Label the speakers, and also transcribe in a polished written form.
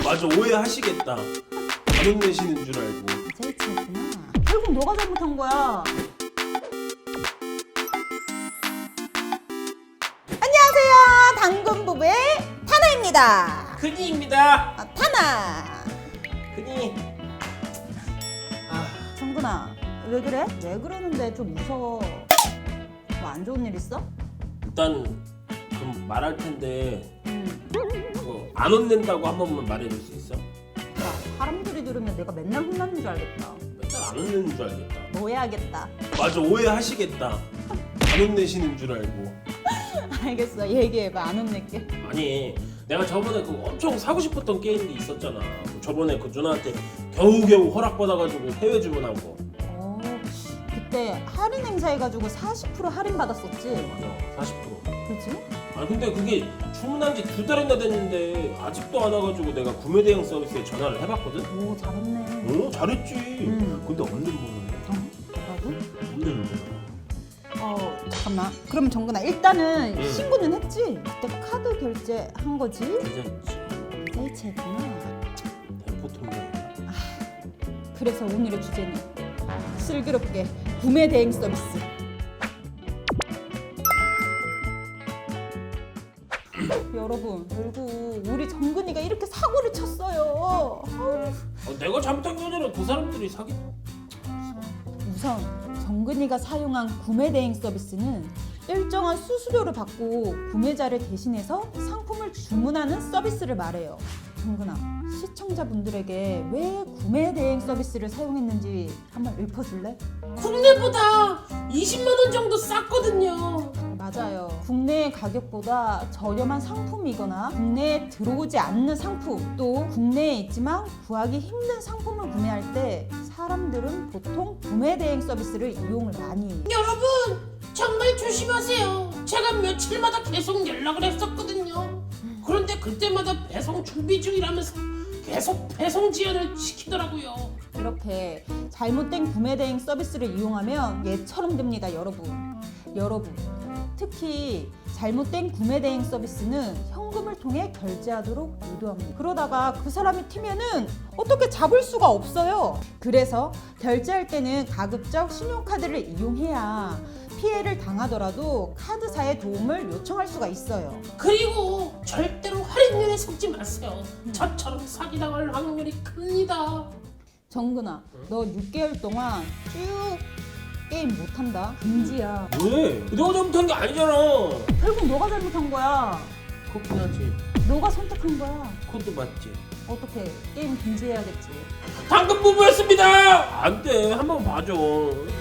Speaker 1: 맞아, 오해하시겠다. 안 혼내시는 줄 알고.
Speaker 2: 제이치였구나. 결국 너가 잘못한 거야. 안녕하세요. 당근 부부의 타나입니다.
Speaker 1: 큰이입니다.
Speaker 2: 타나.
Speaker 1: 큰이.
Speaker 2: 정근아, 왜 그래? 왜 그러는데 좀 무서워. 뭐 안 좋은 일 있어?
Speaker 1: 일단 좀 말할 텐데
Speaker 2: 응.
Speaker 1: 그거 안 혼낸다고 한 번만 말해줄 수 있어?
Speaker 2: 야, 사람들이 들으면 내가 맨날 혼나는 줄 알겠다.
Speaker 1: 맨날 안 혼내는 줄 알겠다.
Speaker 2: 뭐 해야겠다.
Speaker 1: 맞아, 오해하시겠다. 안 혼내시는 줄 알고.
Speaker 2: 알겠어. 얘기해봐. 안 혼낼게.
Speaker 1: 아니, 내가 저번에 그 엄청 사고 싶었던 게임이 있었잖아. 저번에 그 누나한테 겨우겨우 허락받아가지고 해외 주문한 거.
Speaker 2: 그때 할인 행사 해가지고 40% 할인 받았었지?
Speaker 1: 맞아, 40%.
Speaker 2: 그치?
Speaker 1: 아 근데 그게 주문한 지 2달이나 됐는데 아직도 안 와가지고 내가 구매 대행 서비스에 전화를 해봤거든?
Speaker 2: 오, 잘했네.
Speaker 1: 오, 잘했지. 근데 없는 번호네.
Speaker 2: 뭐라고?
Speaker 1: 없는 번호.
Speaker 2: 잠깐만. 그럼 정근아, 일단은
Speaker 1: 응.
Speaker 2: 신고는 했지? 그때 카드 결제한 거지?
Speaker 1: 괜찮지.
Speaker 2: 세이치했구나.
Speaker 1: 대포 통장.
Speaker 2: 그래서 오늘의 주제는 슬기롭게 구매 대행 서비스. 여러분, 결국 우리 정근이가 이렇게 사고를 쳤어요.
Speaker 1: 내가 잘못한 게 아니라 그 사람들이 사기.
Speaker 2: 우선 정근이가 사용한 구매 대행 서비스는 일정한 수수료를 받고 구매자를 대신해서 상품을 주문하는 서비스를 말해요. 정근아, 시청자분들에게 왜 구매 대행 서비스를 사용했는지 한번 읊어줄래?
Speaker 3: 국내보다 20만 원 정도 쌌거든요.
Speaker 2: 맞아요. 국내 가격보다 저렴한 상품이거나 국내에 들어오지 않는 상품, 또 국내에 있지만 구하기 힘든 상품을 구매할 때 사람들은 보통 구매 대행 서비스를 이용을 많이 해요.
Speaker 3: 여러분 정말 조심하세요. 제가 며칠마다 계속 연락을 했었거든요. 그런데 그때마다 배송 준비 중이라면서 계속 배송 지연을 시키더라고요.
Speaker 2: 이렇게 잘못된 구매 대행 서비스를 이용하면 얘처럼 됩니다, 여러분. 특히 잘못된 구매 대행 서비스는 현금을 통해 결제하도록 유도합니다. 그러다가 그 사람이 튀면은 어떻게 잡을 수가 없어요. 그래서 결제할 때는 가급적 신용카드를 이용해야 피해를 당하더라도 카드사의 도움을 요청할 수가 있어요.
Speaker 3: 그리고 절대로 할인율에 속지 마세요. 저처럼 사기당할 확률이 큽니다.
Speaker 2: 정근아, 너 6개월 동안 쭉 게임 못한다. 금지야.
Speaker 1: 왜? 내가 잘못한 게 아니잖아.
Speaker 2: 결국 너가 잘못한 거야.
Speaker 1: 그렇긴 하지.
Speaker 2: 너가 선택한 거야.
Speaker 1: 그것도 맞지.
Speaker 2: 어떻게 게임 금지해야겠지.
Speaker 1: 당근 부부였습니다. 안 돼. 한번 봐줘.